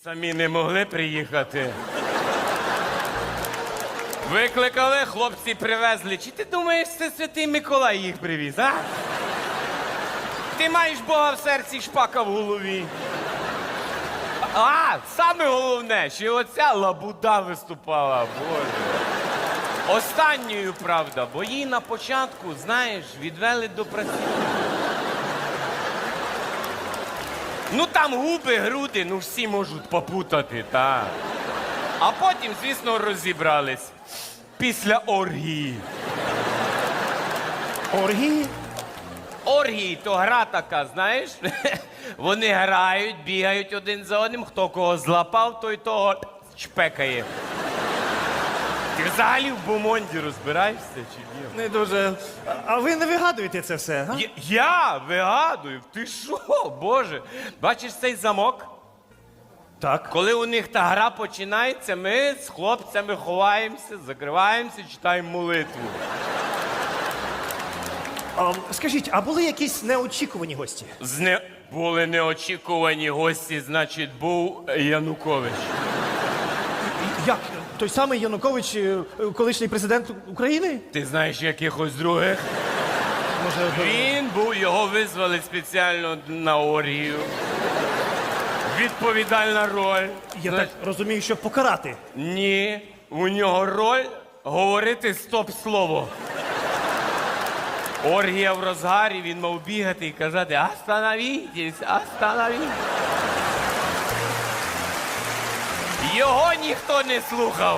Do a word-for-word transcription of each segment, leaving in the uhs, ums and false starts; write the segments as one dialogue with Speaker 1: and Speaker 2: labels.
Speaker 1: Самі не могли приїхати. Викликали, хлопці привезли. Чи ти думаєш, це Святий Миколай їх привіз, а? Ти маєш Бога в серці, шпака в голові. А, саме головне, що оця лабуда виступала, Боже. Останньою, правда, бо її на початку, знаєш, відвели до працівника. Ну там губи, груди, ну всі можуть попутати, так. А потім, звісно, розібрались. Після оргії.
Speaker 2: Оргії?
Speaker 1: Оргії то гра така, знаєш? Вони грають, бігають один за одним, хто кого злапав, той того чпекає. Ти взагалі в бомонді розбираєшся чи ні?
Speaker 2: Не дуже. А- А ви не вигадуєте це все, га?
Speaker 1: Я, я вигадую, ти що, Боже? Бачиш цей замок?
Speaker 2: Так.
Speaker 1: Коли у них та гра починається, ми з хлопцями ховаємося, закриваємося, читаємо молитву.
Speaker 2: А, скажіть, а були якісь неочікувані гості?
Speaker 1: З не... Були неочікувані гості, значить, був Янукович.
Speaker 2: Як? Той самий Янукович, е, колишній президент України?
Speaker 1: Ти знаєш якихось других?
Speaker 2: Може,
Speaker 1: Він був, його визвали спеціально на оргію. Відповідальна роль.
Speaker 2: я
Speaker 1: Знаєш,
Speaker 2: так розумію, щоб покарати.
Speaker 1: Ні, у нього роль говорити стоп-слово. Оргія в розгарі, він мав бігати і казати «Остановітесь, остановітесь». Його ніхто не слухав.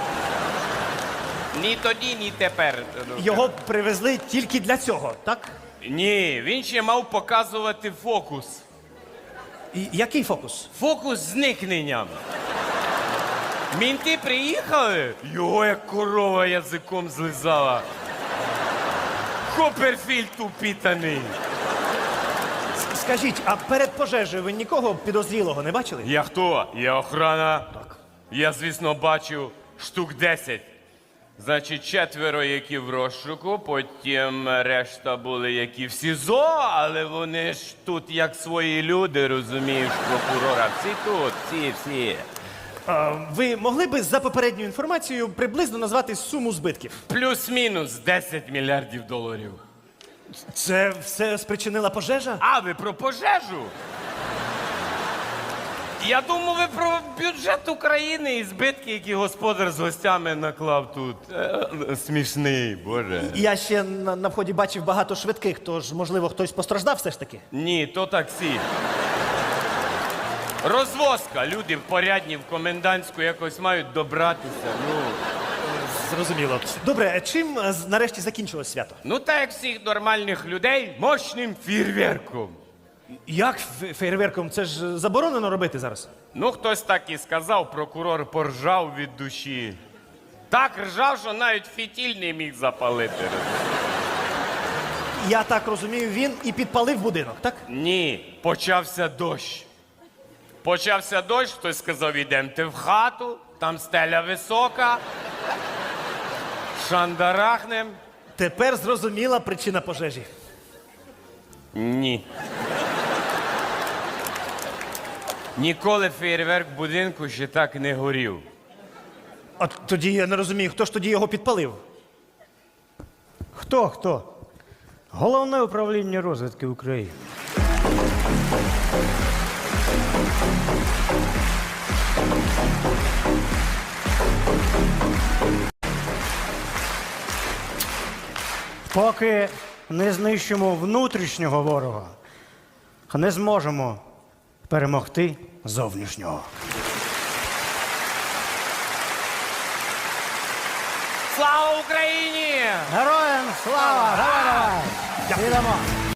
Speaker 1: Ні тоді, ні тепер.
Speaker 2: Його привезли тільки для цього, так?
Speaker 1: Ні, він ще мав показувати фокус.
Speaker 2: І який фокус?
Speaker 1: Фокус з зникненням. Мінти приїхали, його як корова язиком злизала. Копперфільд упітаний.
Speaker 2: С- Скажіть, а перед пожежею ви нікого підозрілого не бачили?
Speaker 1: Я хто? Я охрана. Так. Я, звісно, бачив штук десять. Значить, четверо, які в розшуку, потім решта були, які в СІЗО, але вони ж тут як свої люди, розумієш, прокурора. Всі тут, всі, всі.
Speaker 2: А, ви могли би за попередньою інформацією приблизно назвати суму збитків?
Speaker 1: Плюс-мінус десять мільярдів доларів.
Speaker 2: Це все спричинила пожежа?
Speaker 1: А, ви про пожежу? Я думав, ви про бюджет України і збитки, які господар з гостями наклав тут. Е, смішний, Боже.
Speaker 2: Я ще на, на вході бачив багато швидких, тож, можливо, хтось постраждав все ж таки?
Speaker 1: Ні, то таксі. Розвозка. Люди в порядні, в комендантську якось мають добратися. Ну,
Speaker 2: Зрозуміло. Добре, чим е, з- нарешті закінчилось свято?
Speaker 1: ну так як всіх нормальних людей, мощним фейерверком.
Speaker 2: Як фе- фейерверком? Це ж заборонено робити зараз.
Speaker 1: Ну, хтось так і сказав, прокурор поржав від душі. Так ржав, що навіть фітіль не міг запалити.
Speaker 2: Я так розумію, він і підпалив будинок, так?
Speaker 1: Ні, почався дощ. Почався дощ, хтось сказав, ідемте в хату, там стеля висока, шандарахнем.
Speaker 2: Тепер зрозуміла причина пожежі.
Speaker 1: Ні. Ніколи фейерверк в будинку ще так не горів.
Speaker 2: А тоді я не розумію, хто ж тоді його підпалив?
Speaker 3: Хто хто? Головне управління розвідки України. Поки не знищимо внутрішнього ворога, не зможемо перемогти зовнішнього.
Speaker 1: Слава Україні!
Speaker 3: Героям слава! Давай, давай! Ідемо!